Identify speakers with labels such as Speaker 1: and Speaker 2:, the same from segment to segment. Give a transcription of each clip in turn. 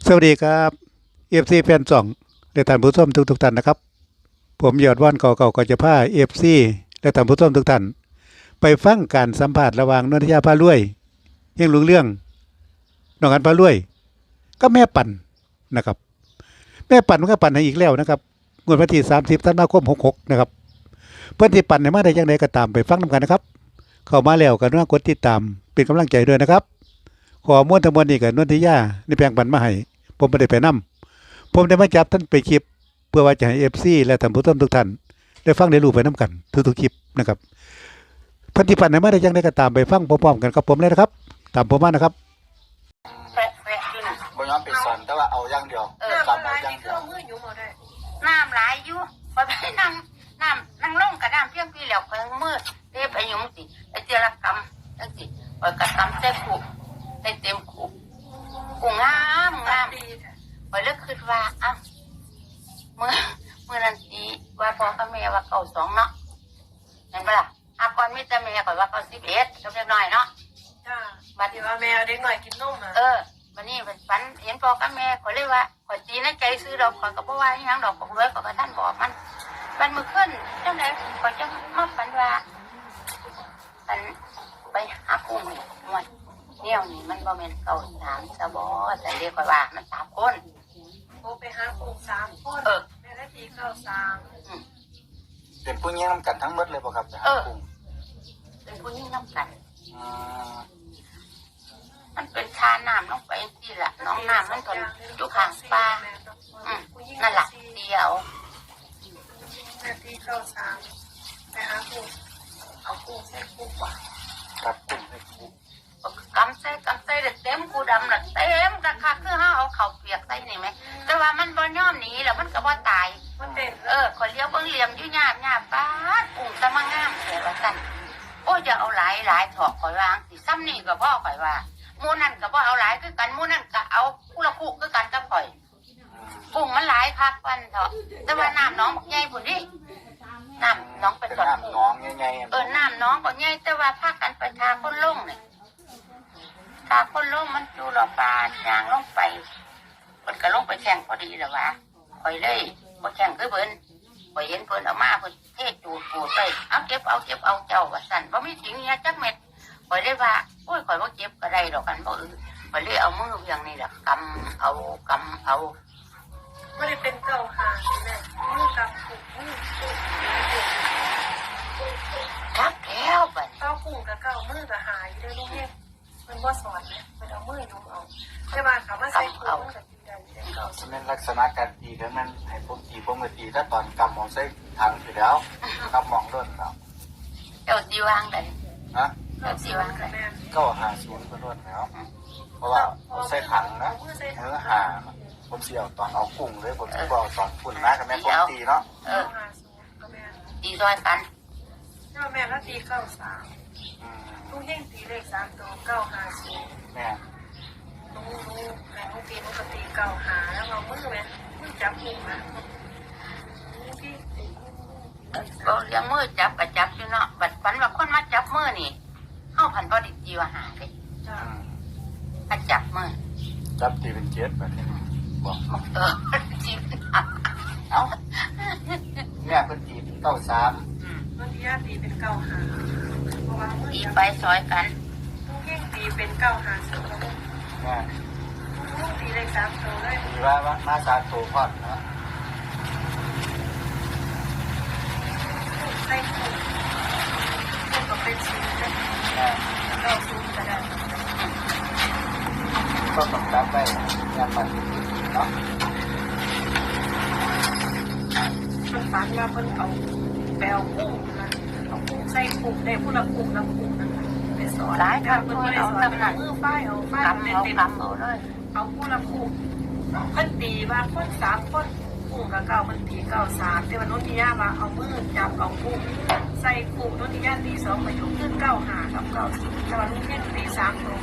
Speaker 1: สวัสดีครับเอฟซีแฟนจ่องและท่านผู้ชมทุกท่านนะครับผมยอดว่านเก่าๆก็จะพาเอฟซีและท่านผู้ชมทุกท่านไปฟังการสัมภาษณ์ระหว่างนนทยาพารวยเฮงลุงเรื่องน้องอันพารวยก็แม่ปั่นนะครับแม่ปั่นมันก็ปั่นให้อีกแล้วนะครับงวดวันที่30ธันวาคม66นะครับเพื่อนที่ปั่นในมาได้ยังไงก็ตามไปฟังนำกันนะครับเข้ามาแล้วก็น่ากดติดตามเป็นกำลังใจด้วยนะครับขอม้วนทั้งมวลนี่กับนนทยาในแปลงปั่นมาให้ผมไม่ได้ไปนำผมได้มาจับท่านไปคลิปเพื่อว่าจะให้เอฟซีและท่านผู้ชมทุกท่านได้ฟังได้รู้ไปน้ำกันทุกๆคลิปนะครับพันธิปันในมาได้ยังได้ก็ตามไปฟังพร้อมๆกันกับผมเลยนะครับตามผมมานะครับ
Speaker 2: แฝะอยู่น่ะ
Speaker 3: บ่ยอมไปสอนแต่ว่าเอาอย่างเดียวจำเอาอย่างเดียว
Speaker 2: น้ำหลายอยู่พอไปนั่งลงกับน้ำเพียงพี่แล้วเพิ่งมืดเรียบไปยุ่งสิไอเจรกรรมจังสิปล่อยกระทำใส่ขู่ให้เต็มขู่กูงามปล่อยเลิกคิดว่าอ้าวเมื่อนั้นตีว่าพ่อกับแม่ว่าเก่า2เนาะเห็นปะล่ะอาก่อนมีแต่แม่ก่อนว่าเก่า11ก็เล็กน้อยเนาะ
Speaker 4: บัดนี้ว่าแมวเด็กหน่อยกินนมอ่ะ
Speaker 2: วันนี้เป็นฝันเห็นพ่อกับแม่เขาเลยว่าขอตีในใจซื้อดอกขอยก็บ่ว่าอีหยังดอกของรวยขอยก็ท่านบอกมันมือขึ้นจังได๋ขอยจังมาฝันว่ามันไปหากุ้งนี่มันเนี่ยนี่มันบ่แม่นเก่า3ซะบ่แต่เรียกว่ามัน3คน
Speaker 4: โอ้ไปหาปู3คนแม่ได้ทีเข้า3
Speaker 3: เป็นผู้หญิงนำกันทั้งหมดเลยบ่ครับจะหากุ้ง
Speaker 2: เป็นผู้หญิงนำกันมันเป็นชาน้ำลงไปสิล่ะน้องน้ำมันก็อยู่ข้างป่านั่นล่ะเดียว
Speaker 4: แม่ที่เข้า3ไปหาปูเอาปูใส่ปูกว่า
Speaker 3: ครับกุ้งให้กุ้ง
Speaker 2: กำใส่เต็มกูดำน่ะเต็มกะคักคือเฮาเอาข้าวเปียกใส่นี่ไหมแต่ว่ามันบ่ยอมหนีแล้วมันก็บ่ตาย
Speaker 4: มันเป็น
Speaker 2: ขอยเลี้ยวเบิ่งเหลี่ยมอยู่หยาบป้ากุ้งตะมางามแท้ว่าซั่นโอ้อย่าเอาหลายถอกข่อยวางสิซ้ำนี่ก็บ่ข่อยว่าหมู่นั่นก็บ่เอาหลายคือกันหมู่นั่นก็เอาผู้ละคู่คือกันกับข่อยกุ้งมันหลายคักปันเถาะแต่ว่าน้ำน้องบักใหญ่พุ่นดิน้ำน้องเป็น
Speaker 3: น้ำน้องใหญ่
Speaker 2: ๆน้ำน้องบักใหญ่แต่ว่าพากันไปทาคนลงนี่ทาคนลงมันอยู่รอปลายางลงไปเพิ่นก็ลงไปแข่งพอดีแล้วว่าข่อยเลยบ่แข่งคือเพิ่นข่อยเห็นเพิ่นเอามาเพิ่นเทจูดไปเอาเก็บเอาเจ้าว่าซั่นบ่มีถิงเฮียจักเม็ดข่อยเลยว่าโอ้ยข่อยบ่เก็บก็ได้ดอกกันบ่ข่อยเลยเอามือเวียงนี่แหละกำเอา
Speaker 4: ไม่ได้เป็นเก่าหาแม่มือกับปูมือ
Speaker 2: ครับแล้วบัด
Speaker 4: เก่าปูกับเก่ามือกับหายได้ลูกเนี่ยมันบ่สอนเลยมันเอามือยุ่งเอาใช่ป่ะเขามาใส่ปูมันก็ตีได้เก่า
Speaker 3: ฉะนั้นลักษณะการตีแล้วมันให้ผมตีผมก็ตีถ้าตอนกำมองใส่ถังอยู่แล้วกำมองด้นแล้ว
Speaker 2: เจ้าสิวางได้
Speaker 3: ฮะ
Speaker 2: เจ้าสิวางได้
Speaker 3: ก็50ก็ด้นแล้วเพราะว่าเอาใส่ถังนะเนื้อหาผมเสียวตอนเอากุ้งเลยผมจะบอกตอนฝุ่นนะกับแม่ผมตีเนาะ
Speaker 2: ตีซอยกัน
Speaker 4: แม่แล้วตีเข้า3ลูกเฮงตีเลข3ตัว950
Speaker 3: แม่
Speaker 4: ลูกแม่ลูกตีลูกก็ตี9หาแล้วเอามือแม่มือจับกุ้งนะ
Speaker 2: ก็เลี้ยงมือจับก็จับอยู่เนาะบัดฝันว่าคนมาจับมือนี่เฮาพันบ่ได้ตีว่าหาเด้ถ้าจับมือ
Speaker 3: จับตีเป็น7แบบนี้บอก
Speaker 2: จริง
Speaker 3: เอาแม่เป็นตี93
Speaker 4: มันที่ญาติตีเป็น9หาเพราะว่ามือ
Speaker 2: ตีไปซอยกัน
Speaker 4: ลูกเฮงตีเป็น9หา2
Speaker 3: แม่
Speaker 4: ลูกตีเลข3ตัวเลย
Speaker 3: ตีว่ามา3ตัวพอดเนาะ
Speaker 4: ใส่กุ้งก็เป็นชิ้นเลยเราซูมก็ได้
Speaker 3: ก็ต้องรับไปงานมันเนาะ
Speaker 4: มันฝันว่าเพิ่นเอาแปลกุ้งนะเอากุ้งใส่กุ้งได้ผู้ละกุ้งละกุ้งนะไปสอน
Speaker 2: หลายทางเพิ่นเอาตำหนัก
Speaker 4: มือป้ายเอาป้ายเต็ม
Speaker 2: เอาเลย
Speaker 4: เอาผู้ละกุ้งเพิ่นตีว่าคน3คนกุ้งกับเก่าเพิ่นตี93แต่ว่าโนนทิยาว่าเอามือจับเอากุ้งใส่กุ้งโนนทิยาตี2ประโยคขึ้น95กับ90แต่ว่าลูกเฮ็ดตี3ตัว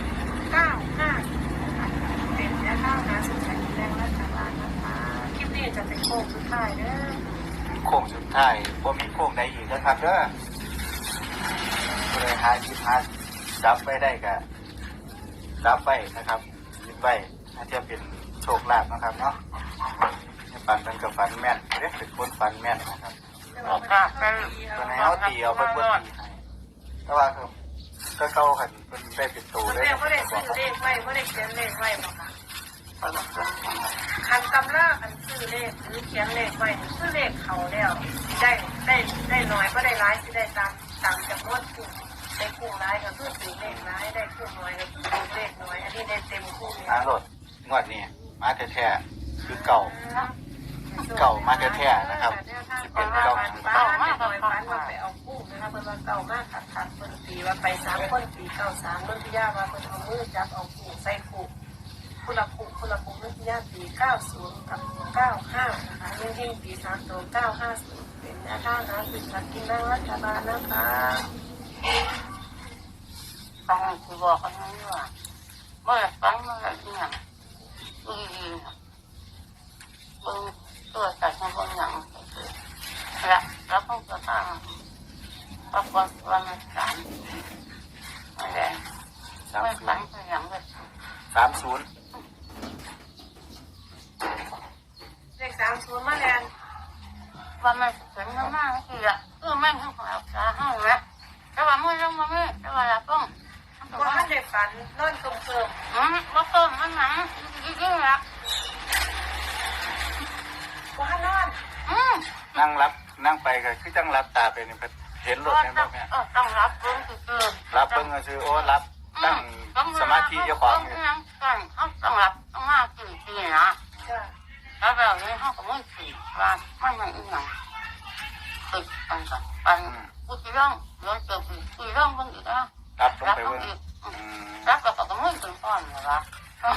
Speaker 4: 95เป็นแค่ข้าวนะสุดท้ายแรงและทางร้านนะคะคลิปนี้จะเป็นโค้งสุดท้ายเด้อ
Speaker 3: โค้งสุดท้ายบ่มีโค้งใดอีกนะครับเด้อเลยหาจับไปได้ก็จับไปนะครับยิบไปถ้าเทียบเป็นโชคลาภนะครับเนาะฝันเป็นกับฝันแม่นเรียกเป็นคนฝันแม่นนะครับ
Speaker 2: ออกจากเป็น
Speaker 3: ตัวไหนเอาตีเอาไปบนตีให้แต่ว่าคือก็เข้าขันเป็นได้เป็นตัวได้
Speaker 4: แม่ก็ได้ซื้อเลขไว้ก็ได้เขียนเลขไว้บอกค่ะ
Speaker 2: ไปมาเป็น
Speaker 4: คันตำราคันซื้อเลขหรือเขียนเลขไว้ซื้อเลขเขาแล้วได้น้อยก็ได้ร้ายที่ได้ตามจำนวนคู่ได้คู่ร้ายก็คือซื้อเลขร้ายได้คู่น้อยก็คือซื้อเลขน้อยอันนี้ได้เต็มคู่เลย
Speaker 3: หารถงวดนี้มาแท้ๆคือเก่ามาแท้ๆนะครับที่เป็นเก่า
Speaker 4: ป้าไม่น้อยป้าว่าไปเอาคู่นะคะเพิ่นว่าเก่ามากขัดเพิ่นตีว่าไป3คนตี93เพิ่นพิยาว่าเพิ่นเอามือจับเอาคู่ใส่คู่คุณละคู่เพิ่นพิยาตี90กับ95นะคะยิ่งตี3ตัว950เป็นแนวทางหาซื้อสลากกินแบ่งรัฐบาลนะคะ
Speaker 2: ฟังคือบอกกันนี่ว่าเมื่อฟังเมื่อเนี่ยบึงตัวจัดมาบนหนังแล้วก็จะตั้งประกอบวันสามอะไรไม่ฟังคืออย่างแบบ
Speaker 3: 30
Speaker 4: เลข30มาแลน
Speaker 2: ว่ามันถึงมากๆคือแม่งทั้งของเราจะห้องแล้วแต่ว่ามือต้องมาไม่แต่ว่าเราต้อง
Speaker 4: ว่าท่านได้ฝันนอนเกิม
Speaker 2: ว่าต้นมันหนังยิ่งละ
Speaker 4: ว่าท่านนอน
Speaker 3: นั่งไปก็คือจังรับตาไปนี่เห็นรถแม่นบ่แม่
Speaker 2: ต้องรับเพิ่งคือ
Speaker 3: รับเบิ่งก็คือโอ้รับตั้งสมาธิเจ้าของนี่
Speaker 2: ต้องรับต้องมากี่นะ
Speaker 4: จ้ะ
Speaker 2: แล้วแบบนี้เขาก็ไม่สี่ว่าไม่ไม่อีกอย่างติดกันก่อนปันกูจะร้องย้อนเติมอีกกูร้องบ้างอีกนะ
Speaker 3: รับต้อง
Speaker 2: รับ
Speaker 3: ไป
Speaker 2: บ้าง
Speaker 3: เบิ่ง
Speaker 2: อีกรับก็ไม่ถึงก่อนเหรอ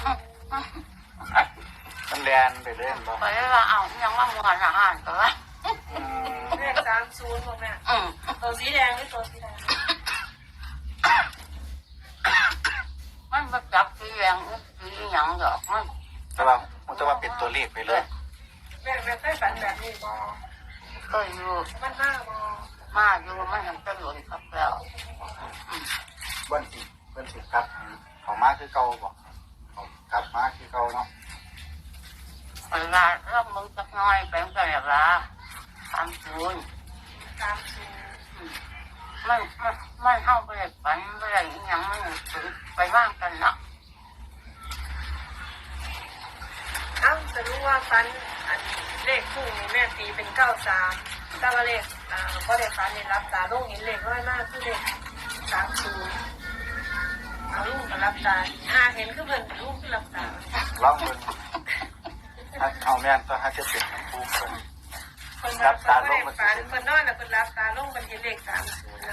Speaker 3: มันแลนไปเล่นบ่
Speaker 2: ไปว่าเอายังว่ามัวอาหารก็ว่า
Speaker 4: เลข30บอกแม่ตัวสีแดงหรือตัวสีแดง
Speaker 2: มันมาจับสีแดงสีหยังดอกมัน
Speaker 3: แต่ว่าเป็นตัวเลขไปเลย
Speaker 4: แม่เคยฝันแบบนี้บ่
Speaker 2: ก็อยู่
Speaker 4: มันมาบ่
Speaker 2: มาอยู่มันเห็นจะหลุดครับแล้ว
Speaker 3: เบิ้นสิครับเขามาคือเก่าบ่เขากลับมาคือเก่าเนาะ
Speaker 2: เวลาเริ่มมึงสักน้อยแปลงกันแบบละ30มันเข้าไปเลยฝันไปเลยยังไม่ถึงไปว่างกันเนาะ
Speaker 4: จะรู้ว่าฝันเลขคู่นี่แม่ตีเป็น93แต่ว่าเลขก็ได้ฝันในรับตาลงเห็นเลขน้อยมากคือเลข30เอาลูกกับรับตาเห็นคือเพิ่นลูกคือรับตา
Speaker 3: ลองเบิ่งถ้าเอาแม่นก็ถ้าจะเป็นผู้คน
Speaker 4: คนรับตาลงคนนอนน่ะคนรับตาลงมันเห็นเลข30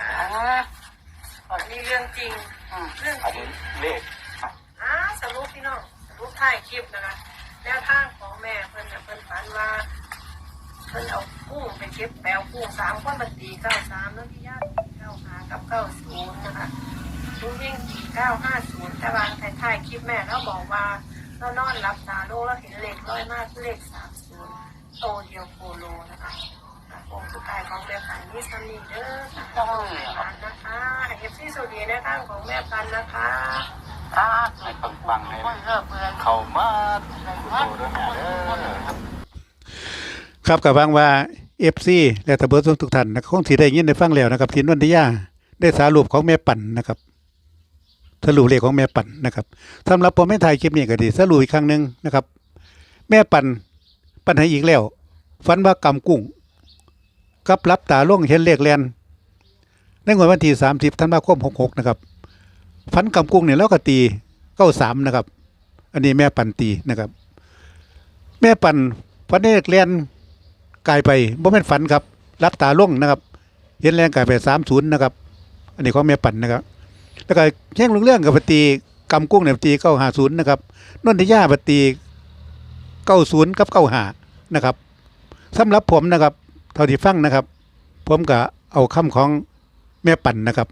Speaker 4: นะคะนี่เรื่องจริงเรื่อง
Speaker 3: อัน
Speaker 4: จริ
Speaker 3: นี้
Speaker 4: ง
Speaker 3: เลข
Speaker 4: สรุปพี่น้องสรุปท้ายคลิปนะคะแนวทางของแม่เพิ่นฝันว่าเพิ่นเอากุ้งไปเก็บแปลวกุ้ง3คนมันตี93แล้วพี่ญาติ95กับ90นะคะลุงยิ่งตี950แต่ว่าท้ายคลิปแม่เราบอกว่าเรานอนรับตาโลแล้วเห็นเลขร้อยมากคือเลข30โตเดียวโคโลนะคะวงสุดท้ายของแม่พันธุ์นี่ซัมนี่เด้อค่ะนะคะเอฟซีโซเดียแนวทางของแม่พันธุ์นะคะ
Speaker 3: ให้ปังๆให้เขามาผู้โตด้วยแม่เด้อ
Speaker 1: ครับกับฟังว่า FC และตำรวจทุกท่านนะคงสิได้ยินได้ฟังแล้วนะครับที่นนทิยาได้สรุปของแม่ปั่นนะครับสรุปเลขของแม่ปั่นนะครับสำหรับผมไม่ถ่ายคลิปนี้ก็ดีสรุปอีกครั้งหนึงนะครับ แม่ปั่นให้อีกแล้วฝันว่ากำกุ้งกับรับตาล่วงเห็นเลขแลนในงวดวันที่30ธันวาคม66นะครับฝันกำกุ้งเนี่ยแล้วก็ตี93นะครับอันนี้แม่ปั่นตีนะครับแม่ปั่นฝันเลขแลนกลายไปบ่แม่นฝันครับรับตาล่วงนะครับเห็นแรงกลายไป30นะครับอันนี้ของแม่ปั่นนะครับแล้วก็แย่งเรื่องกับปตีกำกุ้งเนี่ยตี950นะครับนนทิยาปตี90กับ95นะครับสำหรับผมนะครับเท่าที่ฟังนะครับผมก็เอาคำของแม่ปั่นนะครับ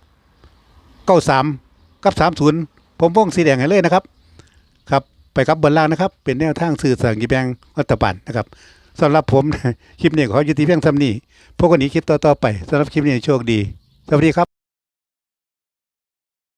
Speaker 1: 93กับ30ผมวงสีแดงให้เลยนะครับครับไปกับบนล่างนะครับเป็นแนวทางสื่อสารกิจแบงรัฐบาลนะครับสำหรับผม คลิปนี้ขอยุติเพียงเท่านี้พวกคนนี้คลิปต่อไปสำหรับคลิปนี้โชคดีสวัสดีครับ